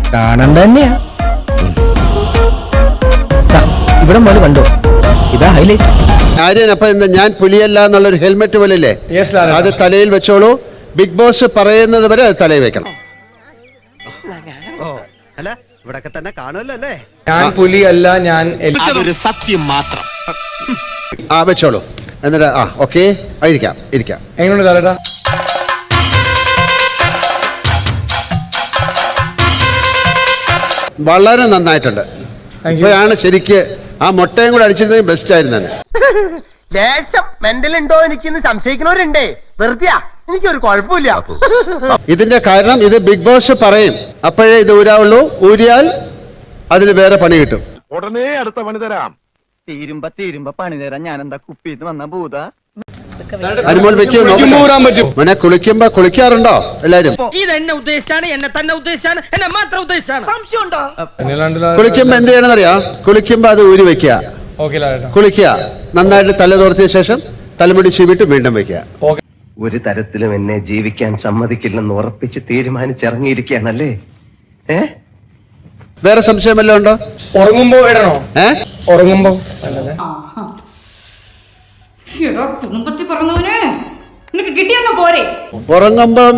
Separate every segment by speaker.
Speaker 1: കാണണ്ട തന്നെയാ. ഇവിടെ മോള് കണ്ടോ, ഇതാ ഹൈലൈറ്റ്.
Speaker 2: ആര്യൻ, അപ്പൊ എന്താ ഞാൻ പുലിയല്ല എന്നുള്ളൊരു ഹെൽമെറ്റ് പോലല്ലേ, അത് തലയിൽ വെച്ചോളൂ. ബിഗ് ബോസ് പറയുന്നത് വരെ അത് തലയിൽ വെക്കണം.
Speaker 3: അല്ല ഇവിടൊക്കെ തന്നെ കാണുമല്ലോ അല്ലേ?
Speaker 1: ഞാൻ പുലിയല്ല, ഞാൻ
Speaker 4: അതൊരു സത്യം മാത്രം.
Speaker 2: വെച്ചോളൂ. എന്നിട്ട് ഓക്കെ, ഇരിക്കാം.
Speaker 1: എങ്ങനെയുണ്ട് കാലട്ടാ?
Speaker 2: വളരെ നന്നായിട്ടുണ്ട്. ഇപ്പോഴാണ് ശരിക്ക് ആ മുട്ടയും കൂടെ അടിച്ചിരുന്നെങ്കിൽ ബെസ്റ്റ് ആയിരുന്നു.
Speaker 5: ലേശം മെന്റൽ ഉണ്ടോ എനിക്കിന്ന് സംശയിക്കുന്നവരുണ്ടേ. വെറുതെയാ, എനിക്കൊരു കുഴപ്പമില്ല.
Speaker 2: ഇതിന്റെ കാരണം ഇത് ബിഗ് ബോസ് പറയും, അപ്പോഴേ ഇത് ഊരാവുള്ളൂ. ഊരിയാൽ അതിന് വേറെ പണി കിട്ടും.
Speaker 4: ഉടനെ അടുത്ത പണി തരാം.
Speaker 3: തീരുമ്പ പണി തരാൻ ഞാൻ എന്താ കുപ്പിന്ന് വന്ന ഭൂത?
Speaker 2: അനുമോൾ മോനെ, കുളിക്കുമ്പോ കുളിക്കാറുണ്ടോ എല്ലാരും?
Speaker 5: ഇത് എന്നെ ഉദ്ദേശിച്ചാണ്, എന്നെ തന്നെ ഉദ്ദേശിച്ചാണ്, എന്നെ മാത്രം ഉദ്ദേശിച്ചാണ്. സംശയമുണ്ടോ?
Speaker 2: കുളിക്കുമ്പോ എന്ത് ചെയ്യണമെന്നറിയാ? കുളിക്കുമ്പോ അത് ഊരി വെക്കുക, കുളിക്കുക, നന്നായിട്ട് തല തോർത്തിയ ശേഷം തലമുടി ചീവിട്ട് വീണ്ടും വെക്കുക.
Speaker 6: ഒരു തരത്തിലും എന്നെ ജീവിക്കാൻ സമ്മതിക്കില്ലെന്ന് ഉറപ്പിച്ച് തീരുമാനിച്ചിറങ്ങിയിരിക്കുകയാണല്ലേ?
Speaker 2: വേറെ സംശയം വല്ലതും ഉണ്ടോ?
Speaker 1: ഉറങ്ങുമ്പോ ഇടണോ? ഉറങ്ങുമ്പോ
Speaker 7: കുടുംബത്തിൽ പറഞ്ഞവനെ നിനക്ക് കിട്ടിയൊന്നും പോരെ?
Speaker 2: ഉറങ്ങുമ്പം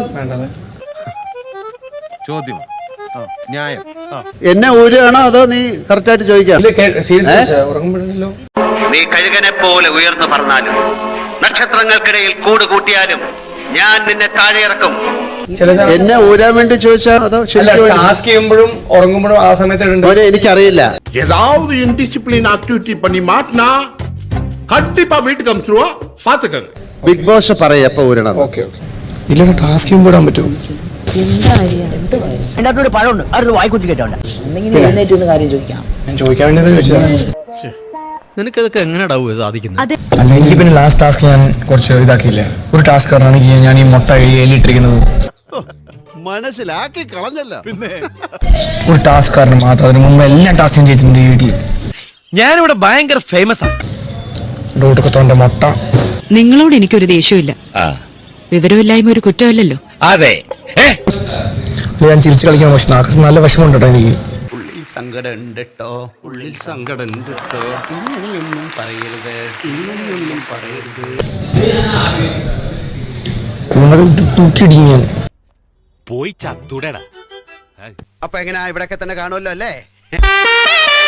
Speaker 4: ചോദ്യം ന്യായം.
Speaker 2: എന്നെ ഊരുകയാണോ അതോ നീ കറക്റ്റ് ആയിട്ട് ചോദിക്കാം?
Speaker 1: ഉറങ്ങുമ്പോഴല്ലോ.
Speaker 8: നീ കഴുകനെ പോലെ ഉയർന്നു പറഞ്ഞാലും നക്ഷത്രങ്ങൾക്കിടയിൽ കൂട് കൂട്ടിയാലും ഞാൻ നിന്നെ താഴെ ഇറക്കും.
Speaker 2: എന്നെ ഊരാൻ വേണ്ടി ചോദിച്ചാ അതോ
Speaker 1: ടാസ്ക് ചെയ്യുമ്പോഴും ഉറങ്ങുമ്പോഴും ആ സമയത്ത്
Speaker 2: എനിക്കറിയില്ല.
Speaker 4: ஏதாவது இன்டிசிப்ளின் ஆக்டிவிட்டி பண்ணி மாட்டினா கண்டிப்பா வீட்டுக்கு அனுப்பிச்சிருவா, பாத்துக்கங்க.
Speaker 2: ബിഗ് ബോസ് പറയും എപ്പോ ഊരണം.
Speaker 1: ഇല്ല, ടാസ്ക് ചെയ്യുമ്പോൾ ഇടാൻ പറ്റുമോ?
Speaker 5: എന്റെ അകത്തൊരു പഴമുണ്ട്, അടുത്ത് വായിക്കുത്തി കേട്ടോണ്ട് കാര്യം ചോദിക്കാം.
Speaker 1: ഞാൻ ചോദിക്കാൻ വേണ്ടി ചോദിച്ചതാണ്.
Speaker 3: നിനക്കതൊക്കെ എങ്ങനെയാ സാധിക്കുന്നത്?
Speaker 1: അല്ല, എനിക്ക് പിന്നെ ലാസ്റ്റ് ടാസ്ക് ഞാൻ കുറച്ച് ഇതാക്കിയില്ലേ. ഒരു ടാസ്ക് പറഞ്ഞാണെങ്കിൽ ഞാൻ ഈ മുട്ട എലിയിട്ടിരിക്കുന്നത്
Speaker 4: മനസ്സിലാക്കി കളഞ്ഞല്ല. പിന്നെ
Speaker 1: ഒരു ടാസ്ക് കാരണം മാത്രം, അതിന് മുമ്പ് എല്ലാ ടാസ്കും ചെയ്തിട്ടുണ്ട് ഈ വീട്ടിൽ.
Speaker 3: ഞാനിവിടെ ഭയങ്കര ഫേമസ് ആണ്.
Speaker 1: ഡോട്ടക്കത്തോന്റെ മുട്ട.
Speaker 7: നിങ്ങളോട് എനിക്കൊരു ദേഷ്യമില്ല. വിവരമില്ലായ്മ ഒരു കുറ്റമല്ലല്ലോ.
Speaker 3: അതെ,
Speaker 1: ഞാൻ ചിരിച്ചു കളിക്കാൻ, പക്ഷെ നാക്ക് നല്ല വിഷമമുണ്ട് കേട്ടോ എനിക്ക്.
Speaker 4: ഉള്ളിൽ സങ്കടം ഉണ്ട് കേട്ടോ, ഉള്ളിൽ സങ്കടം ഉണ്ട് കേട്ടോ. ഇങ്ങനെയൊന്നും പറയരുത്, ഇങ്ങനെയൊന്നും പറയരുത്.
Speaker 1: തൂക്കിയിടിക്കും ഞാൻ.
Speaker 4: പോയി ചത്തുടടാ.
Speaker 3: അപ്പൊ എങ്ങനെയാ ഇവിടൊക്കെ തന്നെ കാണുമല്ലോ അല്ലേ?